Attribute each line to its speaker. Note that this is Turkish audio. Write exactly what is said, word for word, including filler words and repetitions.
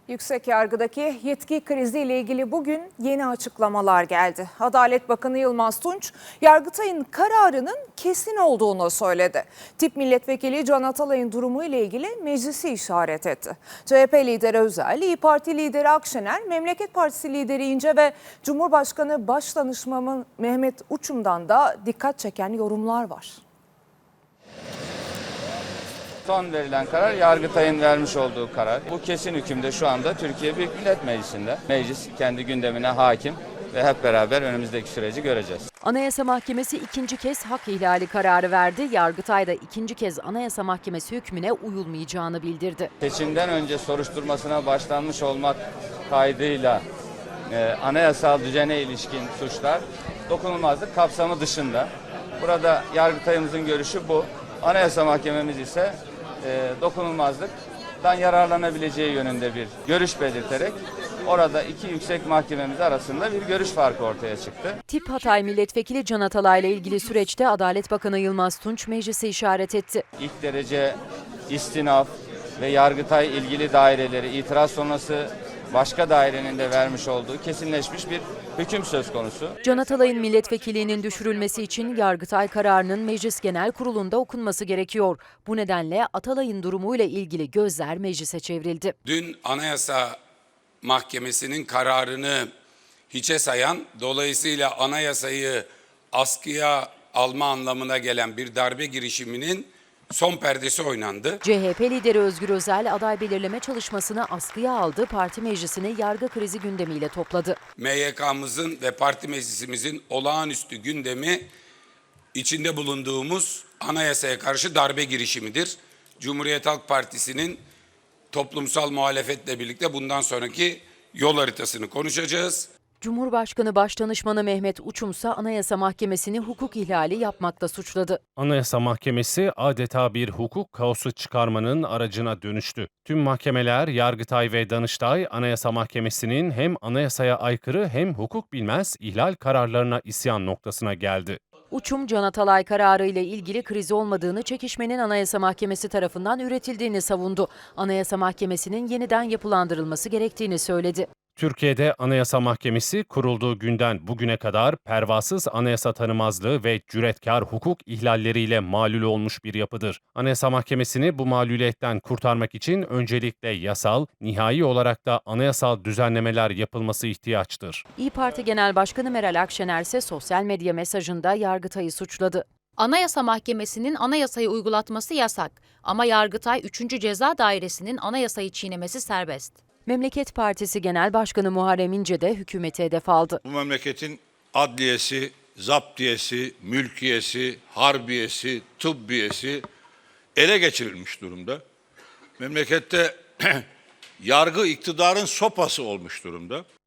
Speaker 1: Yüksek Yargı'daki yetki kriziyle ilgili bugün yeni açıklamalar geldi. Adalet Bakanı Yılmaz Tunç, Yargıtay'ın kararının kesin olduğunu söyledi. Tip Milletvekili Can Atalay'ın durumu ile ilgili meclisi işaret etti. C H P lideri Özel, İYİ Parti lideri Akşener, Memleket Partisi lideri İnce ve Cumhurbaşkanı Başdanışmanı Mehmet Uçum'dan da dikkat çeken yorumlar var.
Speaker 2: Son verilen karar Yargıtay'ın vermiş olduğu karar. Bu kesin hükümde şu anda Türkiye Büyük Millet Meclisi'nde. Meclis kendi gündemine hakim ve hep beraber önümüzdeki süreci göreceğiz.
Speaker 3: Anayasa Mahkemesi ikinci kez hak ihlali kararı verdi. Yargıtay da ikinci kez Anayasa Mahkemesi hükmüne uyulmayacağını bildirdi.
Speaker 2: Seçimden önce soruşturmasına başlanmış olmak kaydıyla e, anayasal düzene ilişkin suçlar dokunulmazlık kapsamı dışında. Burada Yargıtay'ımızın görüşü bu. Anayasa Mahkememiz ise e, dokunulmazlıktan yararlanabileceği yönünde bir görüş belirterek orada iki yüksek mahkememiz arasında bir görüş farkı ortaya çıktı.
Speaker 3: Tip Hatay Milletvekili Can Atalay ile ilgili süreçte Adalet Bakanı Yılmaz Tunç meclise işaret etti.
Speaker 2: İlk derece istinaf ve Yargıtay ilgili daireleri itiraz sonrası başka dairenin de vermiş olduğu kesinleşmiş bir hüküm söz konusu.
Speaker 3: Can Atalay'ın milletvekilliğinin düşürülmesi için Yargıtay kararının Meclis Genel Kurulu'nda okunması gerekiyor. Bu nedenle Atalay'ın durumuyla ilgili gözler meclise çevrildi.
Speaker 4: Dün Anayasa Mahkemesi'nin kararını hiçe sayan, dolayısıyla anayasayı askıya alma anlamına gelen bir darbe girişiminin son perdesi oynandı.
Speaker 3: C H P lideri Özgür Özel aday belirleme çalışmasını askıya aldı, parti meclisini yargı krizi gündemiyle topladı.
Speaker 4: M Y K'mızın ve parti meclisimizin olağanüstü gündemi içinde bulunduğumuz anayasaya karşı darbe girişimidir. Cumhuriyet Halk Partisi'nin toplumsal muhalefetle birlikte bundan sonraki yol haritasını konuşacağız.
Speaker 3: Cumhurbaşkanı Başdanışmanı Mehmet Uçum ise Anayasa Mahkemesi'ni hukuk ihlali yapmakla suçladı.
Speaker 5: Anayasa Mahkemesi adeta bir hukuk kaosu çıkarmanın aracına dönüştü. Tüm mahkemeler, Yargıtay ve Danıştay, Anayasa Mahkemesi'nin hem anayasaya aykırı hem hukuk bilmez ihlal kararlarına isyan noktasına geldi.
Speaker 3: Uçum, Can Atalay kararı ile ilgili kriz olmadığını, çekişmenin Anayasa Mahkemesi tarafından üretildiğini savundu. Anayasa Mahkemesi'nin yeniden yapılandırılması gerektiğini söyledi.
Speaker 5: Türkiye'de Anayasa Mahkemesi kurulduğu günden bugüne kadar pervasız anayasa tanımazlığı ve cüretkar hukuk ihlalleriyle malul olmuş bir yapıdır. Anayasa Mahkemesi'ni bu mağluliyetten kurtarmak için öncelikle yasal, nihai olarak da anayasal düzenlemeler yapılması ihtiyaçtır.
Speaker 3: İYİ Parti Genel Başkanı Meral Akşener ise sosyal medya mesajında Yargıtay'ı suçladı.
Speaker 6: Anayasa Mahkemesi'nin anayasayı uygulatması yasak ama Yargıtay üçüncü Ceza Dairesi'nin anayasayı çiğnemesi serbest.
Speaker 3: Memleket Partisi Genel Başkanı Muharrem İnce de hükümete hedef aldı.
Speaker 7: Bu memleketin adliyesi, zaptiyesi, mülkiyesi, harbiyesi, tıbbiyesi ele geçirilmiş durumda. Memlekette yargı iktidarın sopası olmuş durumda.